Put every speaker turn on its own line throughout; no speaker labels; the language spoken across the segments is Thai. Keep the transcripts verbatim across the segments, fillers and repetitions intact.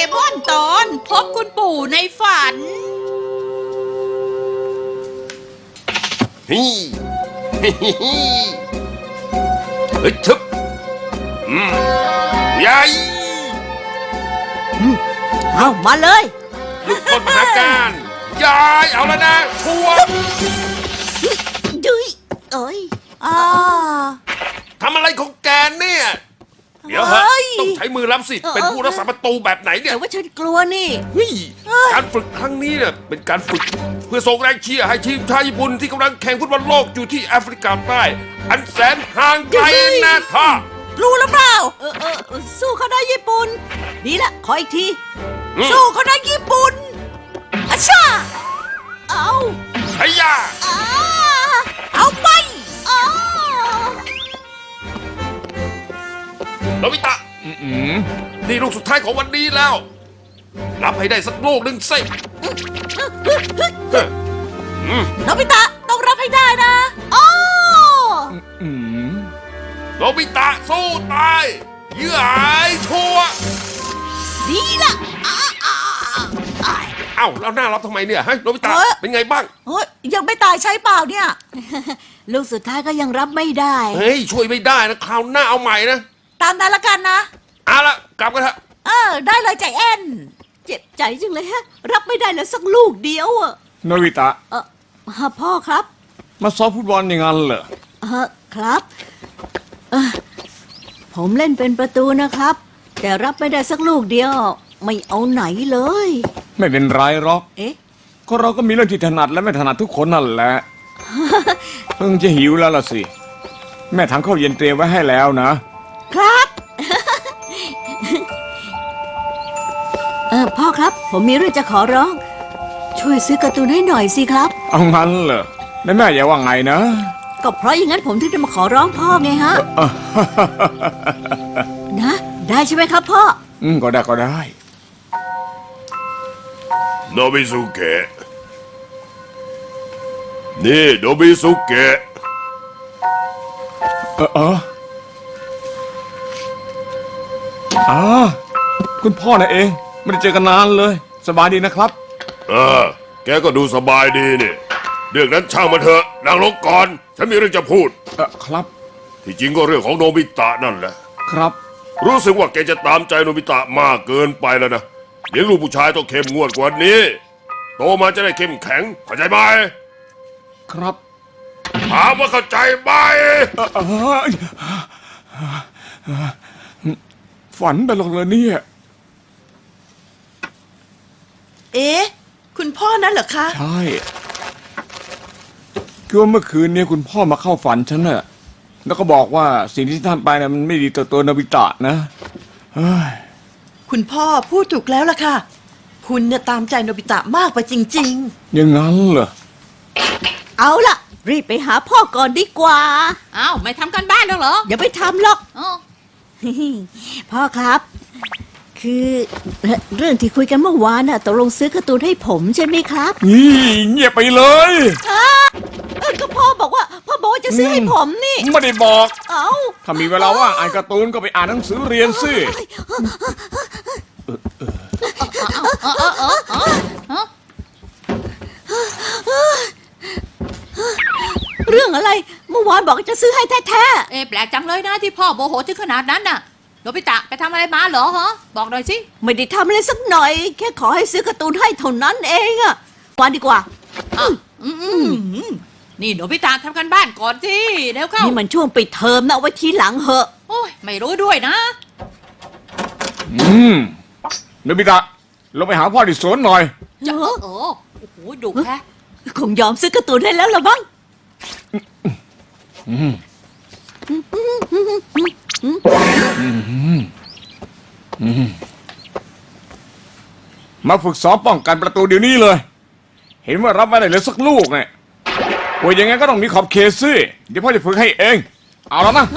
มอนตอนพบคุณปู่ในฝัน
ฮิฮิฮิฮิเฮ้ยทึบอืมยาย
เอามาเลย
ลูกคนมหาการยายเอาแล้วนะชัวร์
ดุยเอ้ยอ่า
ทำอะไรของแกเนี่ยเดี๋ยวฮะต้องใช้มือรับสิเป็นผู้รักษาประตูแบบไหนเนี่ย
แต่ว่าฉันกลัวนี่
เฮ้ยการฝึกครั้งนี้เนี่ยเป็นการฝึกเพื่อส่งแรงเชียร์ให้ทีมชาติญี่ปุ่นที่กำลังแข่งฟุตบอลโลกอยู่ที่แอฟริกาใต้อันแสนห่างไกลนะท่า
รู้หรือเปล่าเออเออสู้เขาได้ญี่ปุ่นดีละขออีกทีสู้เขาได้ญี่ปุ่นอาชาเอา
ไอ้ยา
เอาไป
โนบิตะนี่ลูกสุดท้ายของวันนี้แล้วรับให้ได้สักลูกหนึ่งสิ
โนบิตะต้องรับให้ได้นะโอ้
โนบิตะสู้ตายเยื่อหายชัว
ดีละ
เอ้าแล้วหน้ารับทำไมเนี่ยฮะโนบิตะเป็นไงบ้าง
เฮ้ยยังไม่ตายใช่เปล่าเนี่ยลูกสุดท้ายก็ยังรับไม่ได้
เฮ้ยช่วยไม่ได้นะคราวหน้าเอาใหม่นะ
ตามนั้นละกันนะ
เอาละกลับกันเถอะ
เออได้เลยใจแอนเจ็บใจจังเลยฮะรับไม่ได้เลยสักลูกเดียวอะ
โนบิตะ
เออพ่อครับ
มาซ้อมฟุตบอลอย่างนั้นเหรอ
เออครับเออผมเล่นเป็นประตูนะครับแต่รับไม่ได้สักลูกเดียวไม่เอาไหนเลย
ไม่เป็นไรหรอก
เอ๊ะ
ก็เราก็มีเรื่องที่ถนัดและไม่ถนัดทุกคนนั่นแหละเพิ่งจะหิวแล้วล่ะสิแม่ทำข้าวเย็นเตรียมไว้ให้แล้วนะครับ
เออพ่อครับผมมีเรื่องจะขอร้องช่วยซื้อการ์ตูนให้หน่อยสิครับ
เอางั้นเหรอแม่แม่อย่าว่าไงนะ
ก็เพราะอย่างนั้นผมถึงได้มาขอร้องพ่อไงฮะนะได้ใช่ไหมครับพ่อ
อืมก็ได้ก็ได้
โนบิสุเกะนี่โนบิสุเกะ
เออเอออ่าคุณพ่อน่ะเองไม่ได้เจอกันนานเลยสบายดีนะครับ
เออแกก็ดูสบายดีนี่เรื่องนั้นช่างมันเถอะนั่งลงก่อนฉันมีเรื่องจะพูด
เออครับ
ที่จริงก็เรื่องของโนบิตะนั่นแหละ
ครับ
รู้สึกว่าแกจะตามใจโนบิตะมากเกินไปแล้วนะเลี้ยงลูกผู้ชายต้องเข้มงวดกว่านี้โตมาจะได้เข้มแข็งเข้าใจไหม
ครับ
ถามว่าเข้าใจไหม
ฝันไปหรอกเลยเนี่ย
เอ๊ะคุณพ่อนั่นเหรอคะ
ใช่คือว่าเมื่อคืนนี้คุณพ่อมาเข้าฝันฉันน่ะแล้วก็บอกว่าสิ่งที่ท่านไปน่ะมันไม่ดีต่อตัวโนบิตะนะเฮ้ย
คุณพ่อพูดถูกแล้วล่ะค่ะคุณเนี่ยตามใจโนบิตะมากไปจริง
ๆอย่างนั้นเหรอ
เอาล่ะรีบไปหาพ่อก่อนดีกว่า
อ้าวไม่ทำกันบ้านแล้วเหรอ
อย่าไปทำหรอกพ่อครับคือเรื่องที่คุยกันเมื่อวานน่ะตกลงซื้อการ์ตูนให้ผมใช่ไหมครับ
นี่เงียบไปเลย
ก็พ่อบอกว่าพ่อบอกว่าจะซื้อให้ผมนี่
ไม่ได้บอก
เอ้า
ถ้ามีเวลาว่างอ่านการ์ตูนก็ไปอ่านหนังสือเรียนสิ
เรื่องอะไรเมื่อวานบอกจะซื้อให้แท้
ๆเอ๊ะแปลกจังเลยนะที่พ่อโมโหถึงขนาดนั้นน่ะโนบิตะไปทำอะไรมาเหรอฮะบอกหน่อยสิ
ไม่ได้ทำอะไรสักหน่อยแค่ขอให้ซื้อการ์ตูนให้เท่านั้นเองอะวันดีกว่า
อืมนี่โนบิตะทำกันบ้านก่อนสิเร็วเข้า
นี่มันช่วงปิดเทอมนะไว้ทีหลังเหอะ
โอ้ยไม่รู้ด้วยนะ
อืมโนบิตะลงไปหาพ่อที่สวนหน่อย
จะโอ้โหดุแค่
คงยอมซื้อการ์ตูนให้แล้วหรอบ้าง
มาฝึกซ้อมป้องกันประตูเดี๋ยวนี้เลยเห็นว่ารับไม่ได้เลยสักลูกไงโอ้ยยังไงก็ต้องมีขอบเขตสิเดี๋ยวพ่อจะฝึกให้เองเอาแล้วนะ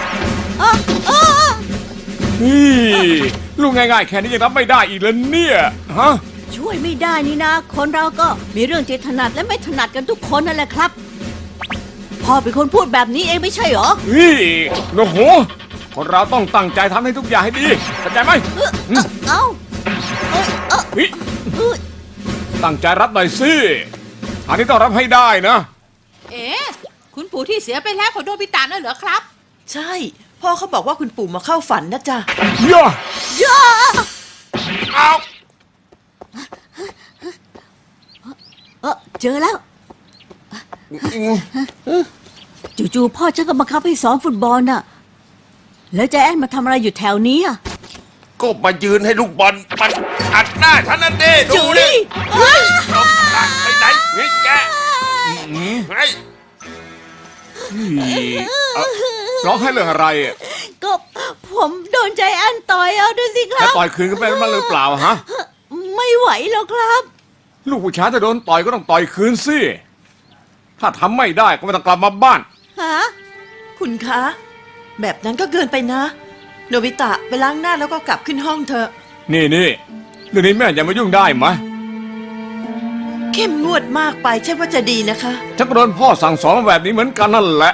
นี่ลูกง่ายๆแค่นี้ยังรับไม่ได้อีกแล้วเนี่ยฮะ
ช่วยไม่ได้นี่นะคนเราก็มีเรื่องที่ถนัดและไม่ถนัดกันทุกคนนั่นแหละครับพ่อเป็นคนพูดแบบนี้เองไม่ใช่หรอ
นี่โอ้โหคนเราต้องตั้งใจทำให้ทุกอย่างให้ดีเข้าใจไหม
เอ้า
เฮ้ยตั้งใจรับหน่อยสิอันนี้ต้องรับให้ได้นะ
เอ๊ะคุณปู่ที่เสียไปแล้วของโนบิตะน่ะเหรอครับ
ใช่ พ่อเขาบอกว่าคุณปู่มาเข้าฝันนะจ๊ะ
ย่า
ย่า
เอา
เออเจอแล้วจู่ๆพ่อฉันก็บังคับให้ซ้อมฟุตบอลน่ะ แล้วใจแอนมาทำอะไรอยู่แถวนี้อ่ะ
ก็มายืนให้ลูกบอลมันอัดหน้าฉันนั่นดิดูดิตบหลังไปไหนนี่แกไอ้
เอ้าร้องให้เรื่องอะไรอะ
ก็ผมโดนใจแอนต่อยเอาดูสิค
จะ
รับ
ต่อยคืนกันไปมันหรือเปล่าฮะ
ไม่ไหวหรอกครับ
ลูกผู้ชายถ้าโดนต่อยก็ต้องต่อยคืนสิ ถ้าทำไม่ได้ก็ไม่ต้องกลับมาบ้าน
ฮะ
คุณคะ แบบนั้นก็เกินไปนะ โนบิตะไปล้างหน้าแล้วก็กลับขึ้นห้องเถอะ
นี่นี่เรื่องนี้แม่อย่ามายุ่งได้ไหม
เข้มงวดมากไปใช่ว่าจะดีนะคะ
ฉันก็โดนพ่อสั่งสอนมาแบบนี้เหมือนกันนั่นแหละ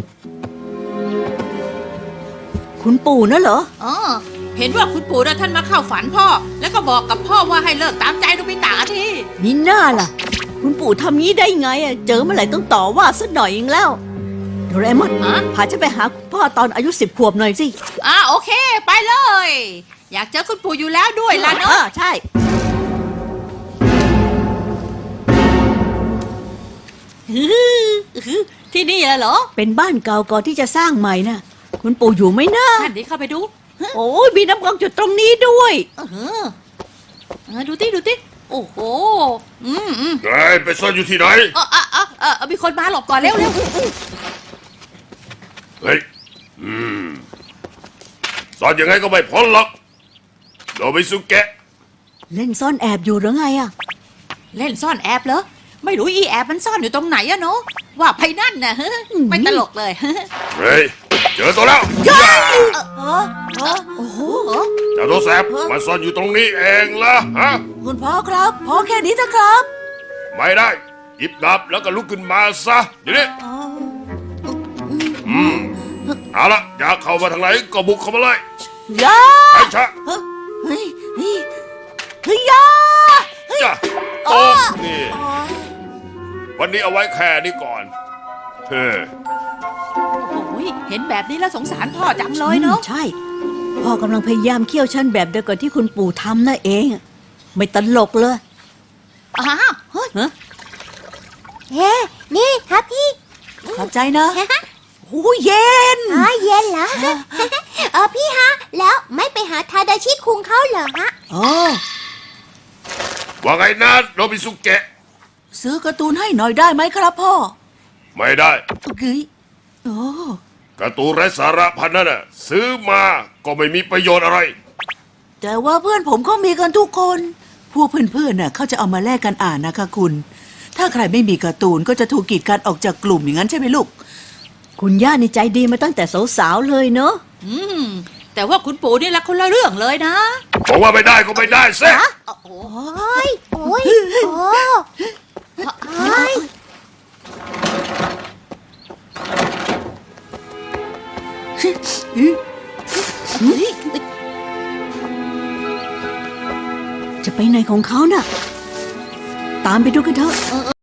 คุณปู่น่ะเหรอ
อ๋อเห็นว่าคุณปู่นะท่านมาเข้าฝันพ่อ แล้วก็บอกกับพ่อว่าให้เลิกตามใจโนบิตะที
มีหน้าล่ะ คุณปู่ทำงี้ได้ไงอ่ะ เจอเมื่อไหร่ต้องต่อว่าสักหน่อยเองแล้วโดเรมอน
ฮะ
พาฉันไปหาคุณพ่อตอนอายุสิบขวบหน่อยสิ
อ่าโอเค ไปเลย อยากเจอคุณปู่อยู่แล้วด้วยล่ะ
เอ
เนาะ
อใช่
ที่นี่เหรอ
เป็นบ้านเก่าก่อนที่จะสร้างใหม่น่ะ คุณปู่อยู่ไหมนะ
ท่านดีเข้าไปดู
โอ้ยมีน้ำกรองจุดตรงนี้ด้วย
เออเออดูติดูติโอ้โหอืมอืม
ไอ้ไปซ่อนอยู่ที่ไหน
เออเออเออเออเออมีคนมาหลบก่อนเร็วเร็ว
เฮ้ย อืมซ่อนยังไงก็ไม่พ้นหรอกโนบิสุเกะ
เล่นซ่อนแอบอยู่หรือไงอ่ะ
เล่นซ่อนแอบเหรอไม่รู้อีแอบมันซ่อนอยู่ตรงไหนอะเนาะว่าไปนั่นน่ะฮะไม่ตลกเลย
เฮ้ย เจอตัวแล้ว
เออเออโอ้โห
เจ้าตัวแสบมันซ่อนอยู่ตรงนี้เองละฮะ
คุณพ่อครับพ่อแค่นี้นะครับ
ไม่ได้หยิบดาบแล้วก็ลุกขึ้นมาซะเดี๋ยวนี้อืมเอาละอยากเข้ามาทางไหนก็บุกเข้ามาเลย
ยา
ไอ้ชะ
เฮ้ยเฮ้ยเฮ้ยเฮ้ยยา
จ้ะโตะนี่ วันนี้เอาไว้แค่นี้ก่อนเฮ้ย
โอ้ยเห็นแบบนี้แล้วสงสารพ่อจังเลยเนาะ
ใช่ พ่อกำลังพยายามเคี่ยวชั้นแบบเดียวกับที่คุณปู่ทำนั่นเอง ไม่ตลกเลย
อ้าวเฮ้ย
ฮะ
เฮ้นี่ครับพี่
ขอบใจนะโอ้ยเย็น
อ๋อเย็นเหรอ เออพี่ฮะ แล้วไม่ไปหาทาดาชิคุงเขาเหรอฮะ
อ๋อ
ว่าไงนะโนบิสุเกะ
ซื้อการ์ตูนให้หน่อยได้ไหมครับพ่อ
ไม่ได้
เฮ้ยโอ้
การ์ตูนไร้สาระพันนั่นน่ะซื้อมาก็ไม่มีประโยชน์อะไร
แต่ว่าเพื่อนผมก็มีกันทุกคน พวกเพื่อนๆน่ะเขาจะเอามาแลกกันอ่านนะคะคุณ ถ้าใครไม่มีการ์ตูนก็จะถูกกีดกันออกจากกลุ่มอย่างนั้นใช่ไหมลูก
คุณย่านี่ใจดีมาตั้งแต่สาวๆเลยเนาะ
อืมแต่ว่าคุณปู่นี่ละคนละเรื่องเลยนะ
บอกว่าไม่ได้ก็ไม่ได้เซ่
โอ้โห
โอ้ยโอ้ยโอ้โอ้ย
จะไปไหนของเขาน่ะ ตามไปดูกันเถอะ